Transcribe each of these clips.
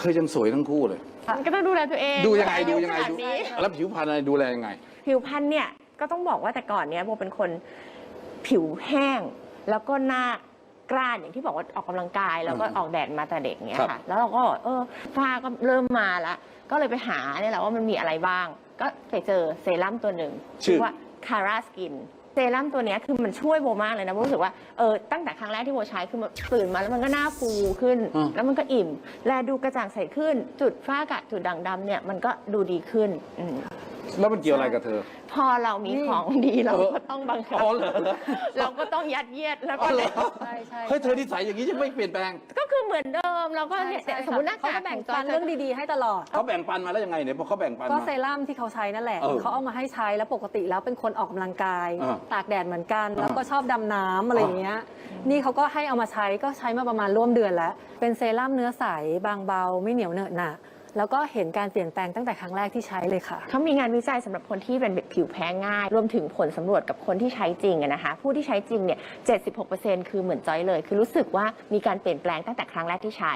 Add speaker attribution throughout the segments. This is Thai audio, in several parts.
Speaker 1: ธอยังสวยทั้งคู่เลย
Speaker 2: ก็ต้องดูแลตัวเอง
Speaker 1: ดูยังไง
Speaker 2: นี้
Speaker 1: แล้วผิวพรรณอะไรดูแลยังไง
Speaker 2: ผิวพรรณเนี่ยก็ต้องบอกว่าแต่ก่อนเนี้ยโบเป็นคนผิวแห้งแล้วก็หน้ากร้านอย่างที่บอกว่าออกกำลังกายแล้วก็ออกแดดมาแต่เด็กเนี้ยค่ะแล้วเราก็ฝ้าก็เริ่มมาแล้วก็เลยไปหาเนี่ยแหละว่ามันมีอะไรบ้างก็ไปเจอเซรั่มตัวหนึ่งชื่อว่า Cara Skin เซรั่มตัวนี้คือมันช่วยโบมากเลยนะโบรู้สึกว่าตั้งแต่ครั้งแรกที่โบใช้คือตื่นมาแล้วมันก็หน้าฟูขึ้นแล้วมันก็อิ่มแลดูกระจ่างใสขึ้นจุดฝ้ากระจุดด่างดำเนี่ยมันก็ดูดีขึ้น
Speaker 1: แล้วมันเกี่ยวอะไรกับเธอ
Speaker 2: พอเรามีของดีเราก็ต้องบังคับเราก็ต้องยัดเยียดแล้วก็เลย
Speaker 1: ใช่เฮ้ยเธอนิสัยอย่างนี้จะไม่เปลี่ยนแปลง
Speaker 2: ก็คือเหมือนเดิมเราก็สมมติหน้ากาก
Speaker 3: แบ่งปันเรื่องดีๆให้ตลอด
Speaker 1: เขาแบ่งปันมาแล้วยังไงเนี่ยพอเขาแบ่งปัน
Speaker 3: ก็เซรั่มที่เขาใช้นั่นแหละเขาเอามาให้ใช้แล้วปกติแล้วเป็นคนออกกำลังกายตากแดดเหมือนกันแล้วก็ชอบดำน้ำอะไรอย่างเงี้ยนี่เขาก็ให้เอามาใช้ก็ใช้มาประมาณร่วมเดือนแล้วเป็นเซรั่มเนื้อใสบางเบาไม่เหนียวเหนอะหนะแล้วก็เห็นการเปลี่ยนแปลงตั้งแต่ครั้งแรกที่ใช้เลยค่ะ
Speaker 2: เขามีงานวิจัยสำหรับคนที่เป็นผิวแพ้ง่ายรวมถึงผลสำรวจกับคนที่ใช้จริงนะคะผู้ที่ใช้จริงเนี่ย 76% คือเหมือนจอยเลยคือรู้สึกว่ามีการเปลี่ยนแปลงตั้งแต่ครั้งแรกที่ใช้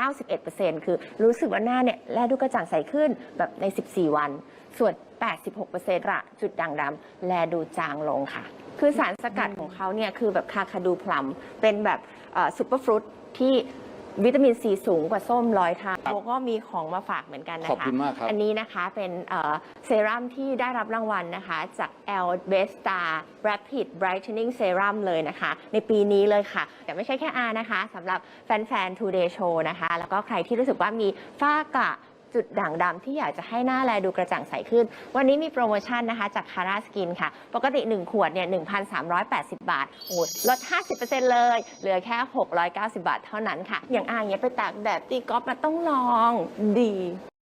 Speaker 2: 91% คือรู้สึกว่าหน้าเนี่ยแลดูกระจ่างใสขึ้นแบบใน 14 วันส่วน 86% ละจุดด่างดำแลดูจางลงค่ะคือสารสกัดของเขาเนี่ยคือแบบคาคาดูพลัมเป็นแบบซุปเปอร์ฟรุตที่วิตามินซีสูงกว่าส้ม100 เท่าโบก็มีของมาฝากเหมือนกันนะคะ
Speaker 1: ขอบคุณมากครับ
Speaker 2: อันนี้นะคะเป็นเซรั่มที่ได้รับรางวัลนะคะจาก L Best Star Rapid Brightening Serum เลยนะคะในปีนี้เลยค่ะแต่ไม่ใช่แค่นะคะสำหรับแฟนๆ Today Show นะคะแล้วก็ใครที่รู้สึกว่ามีฝ้ากระจุดด่างดำที่อยากจะให้หน้าแลดูกระจ่างใสขึ้นวันนี้มีโปรโมชั่นนะคะจาก Cara Skin ค่ะปกติ 1 ขวดเนี่ย 1,380 บาทโอ้ลด 50% เลยเหลือแค่ 690 บาทเท่านั้นค่ะอย่างอย่างเงี้ยไปตากแดดตีกอล์ฟมาต้องลองดี